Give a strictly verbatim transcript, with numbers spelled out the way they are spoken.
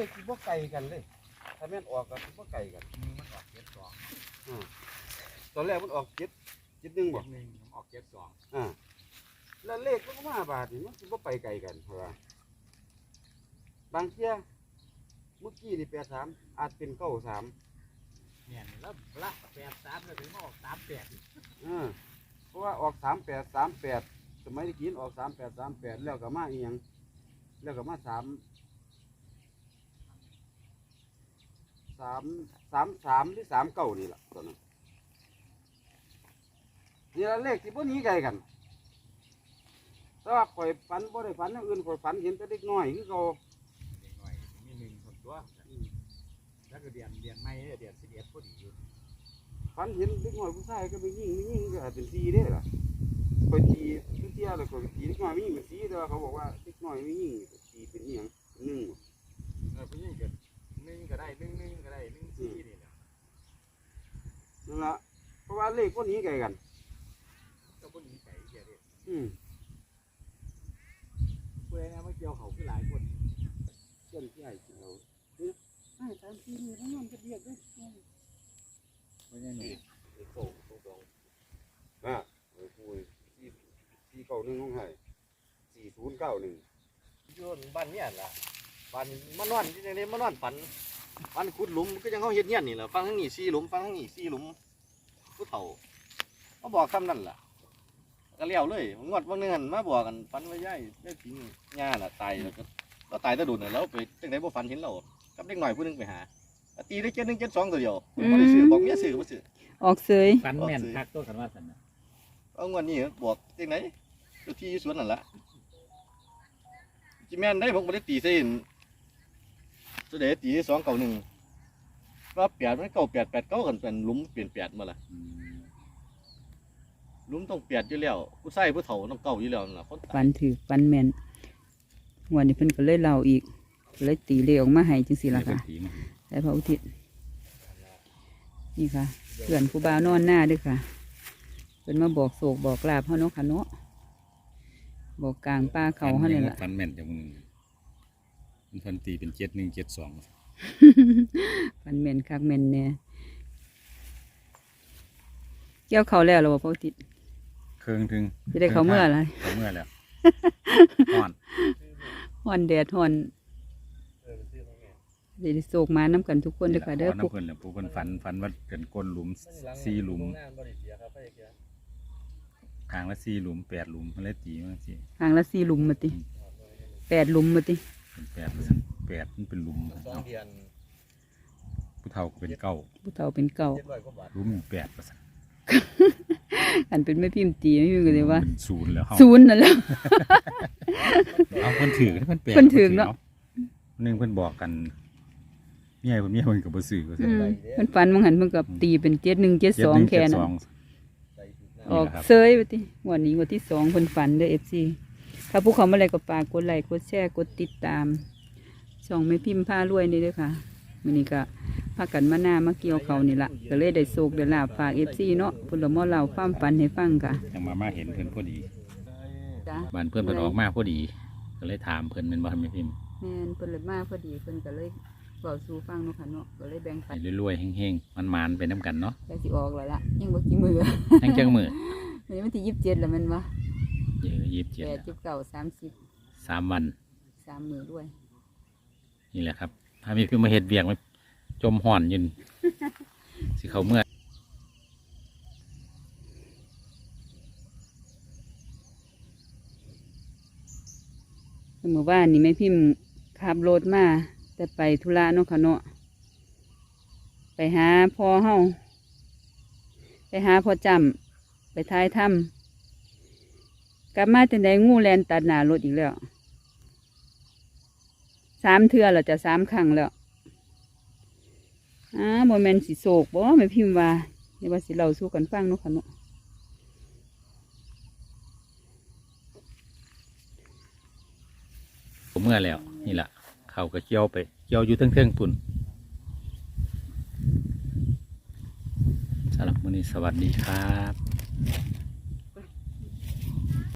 ขที่บ่ไกลกันเลยถ้าแม่นออกก็บ่ไกลกันมันออกเจ็ดสองอ่าตอนแรกมันออกเจ็ดเจ็ดหนึ่งบ่หนึ่งออกเจ็ดสองอ่าแล้วเลขมันก็มาบาทนี่มันสิบ่ไปไกลกันเพราะว่าบางเที่ยเมื่อกี้นี่แปดสามอาจเป็นเก้าสามเนี่ยแล้วละแปดสามแล้วถึงมาออกสามแปดอ่าเพราะว่าออกสามแปดสามแปดสมัยที่กินออกสามแปดสามแปดแล้วก็มาอีหยังแล้วก็มาสามสามสามสามหรือสามเก้านี่แหละตอนนั้นนี่ละเลขที่พวกนี้ไกลกันแต่ว่าข่อยฝันบ่ได้ฝันอย่างอื่นข่อยฝันเห็นแต่เด็กน้อยคือเขาเด็กน้อยมีหนึ่งคนตัวแล้วก็เดือนเดือนไม่เดือนสิบเอ็ดพอดีอยู่ฝันเห็นเด็กน้อยผู้ชายก็ไปยิงไม่ยิงก็เป็นสีได้ล่ะข่อยตีทุกเที่ยเลยข่อยตีเด็กน้อยไม่ยิงเป็นสีแต่ว่าเขาบอกว่าเด็กน้อยไม่ยิงตีเป็นอหย่างหนึ่งเออผู้หญิงก็หนึ่งก็ได้หนึ่งหนึ่งก็ได้หนึ่งสี่นี่แหละนั่นละเพราะว่าเลขพวกนี้ไกลกันก็พวกนี้ไก่เกี่ยวเลยอืมเพื่อนมาเกี่ยวเขาคือหลายคนเช่นที่ไอ้เราเนี่ยไอ้ตามที่นี่ทั้งนั้นจะเรียกได้ไม่ใช่หนูโป่งตรงตรงอ่ะโอ้ยคุยสี่สี่เก้าหนึ่งของไห้สี่ศูนย์เก้าหนึ่งย้อนบ้านเนี่ยล่ะบ้านมานอนที่นี่มานอนฝันฝันขุดหลุมก็ยังเขาเห็นเนี่ยนี่แหละฟังทั้งนี้สี่หลุมฟังทั้งนี้สี่หลุมผู้เฒ่าเขาบอกคำนั่นแหละก็เลี้ยวเลยงวดวันนึงหันมาบอกกันฝันว่าย่ายได้ทิ้งหญ้าน่ะตายแล้วก็ก็ตายตะดุนแล้วไปจังไดบ่ฝันเห็นเรากับเด็กหน่อยผู้นึงไปหาตีได้เจ็ดหนึ่งเจ็ดสองตัวเดียวไม่ได้ซื้อบอกเมียซื้อมาซื้อออกเสยฝันแม่นคักตัวกันว่าสันนะเอางวดนี้บอกจังไหนตัวที่สวนนั่นแหละจีแม่นได้ผมไม่ได้ตีเส้นตัวเด็ดตีสองเก่าหนึ่งว่าแปดมันเก่าแปดแปดเก้ากันเป็นลุ้มเปลี่ยนแปดมาละลุ้มต้องแปดอยู่แล้วผู้ใส่ผู้เฒ่าต้องเก่าอยู่แล้วนะฟันถือฟันแมนวันนี้เพิ่นก็เลยเล่าอีกเลยตีเลขออกมาให้จังสิล่ะค่ะแต่พระอุทิศนี่ค่ะเพื่อนครูบานอนหน้าด้วยค่ะเพิ่นมาบอกโศกบอกลาบเขาเนาะค่ะเนาะบอกกลางป้าเขาเขาเนี่ยแหละฟันแม่นจากมึงมันฟันตีเป็นเจ็ดหนึ่งเจ็ดสองฟันแมนคักแมนเนี่ยเกี่ยวเขาแล้วหรอพระอุทิศเครื่องถึงจะได้เขาเมื่อไรเขาเมื่อแล้วห่อนห่อนแดดห่อนเดี๋ยวโศกมาน้ำกันทุกคนเลยค่ะเด้อปุ๊กเพิ่นแหละปุ๊กเพิ่นฝันฝันว่าเป็นก้นหลุมสี่หลุมทางละสี่หลุมแปดหลุมมันเลยตีมันสิทางละสี่หลุมมาติแปดหลุมมาติเป็นแปดแปดมันเป็นหลุมผู้เฒ่าเป็นเก้าผู้เฒ่าเป็นเก้าหลุมแปดเปอร์เซ็นต์อันเป็นไม่พิมพ์ตีไม่พิมพ์กันเลยว่าศูนย์แล้วศูนย์นั่นแล้วเอาเพิ่นถือเพิ่นแปดเพิ่นถือเนาะหนึ่งเพิ่นบอกกันเมียเพิ่นเมียเพิ่นกับบ่ซื้อก็ใช่เพิ่นฝันบางหันเพิ่นกับตีเป็นเจ็ดหนึ่งเจ็ดสองแค่นั้นออกเซยไปทีวันนี้วันที่สองเพิ่นฝันเด้อเอฟซีถ้าผู้เขามาอะไรก็ฝากกดไลค์กดแชร์กดติดตามช่องไม่พิมพ์ผ้ารวยนี่ด้วยค่ะวันนี้ก็พากันมาหน้ามาเกี่ยวเขานี่ละก็เลยได้โศกได้ลาบฝากเอฟซีเนาะพุ่นละม้อเราความฝันให้ฟังค่ะยังมามาเห็นเพิ่นพอดีบ้านเพิ่นเพิ่นออกมาพอดีก็เลยถามเพิ่นเป็นบ่ทำไม่พิมพ์แม่นเพิ่นเลยมาพอดีเพิ่นก็เลยเบาสู่ฟังเนาะค่ะเนาะก็เลยแบ่งปันรวยๆแห้งๆมันๆไปน้ำกันเนาะแต่สิออกแล้วล่ะยังบ่กี่มือยังจังมือวันนี้วันที่ยี่สิบเจ็ดแล้วมันวะเยอะยี่สิบเจ็ดแปดสิบเก้าสามสิบสามวันสามมือด้วยนี่แหละครับถ้ามีคือมาเห็ดเบียงมาจมห่อนยืนสิเขาเมื่อเมื่อวานนี่แม่พิมพ์ขับรถมาแต่ไปธุระเนาะค่ะเนาะไปหาพ่อเฮาไปหาพ่อจำไปท้ายถ้ำกลับมาแต่ไหนงูแลนตัดหน้ารถอีกแล้วสามเทื่อแล้วจะสามครั้งแล้วอ่าโมเมนต์สิโศกบ่แม่พิมพ์ว่าเดี๋ยวว่าสิเราสู้กันฟังเนาะค่ะเนาะผมเมื่อแล้วนี่แหละเขาก็เกี่ยวไปเกี่ยวอยู่เทิงๆปุ่นสำหรับมื้อนี้สวัสดีครับ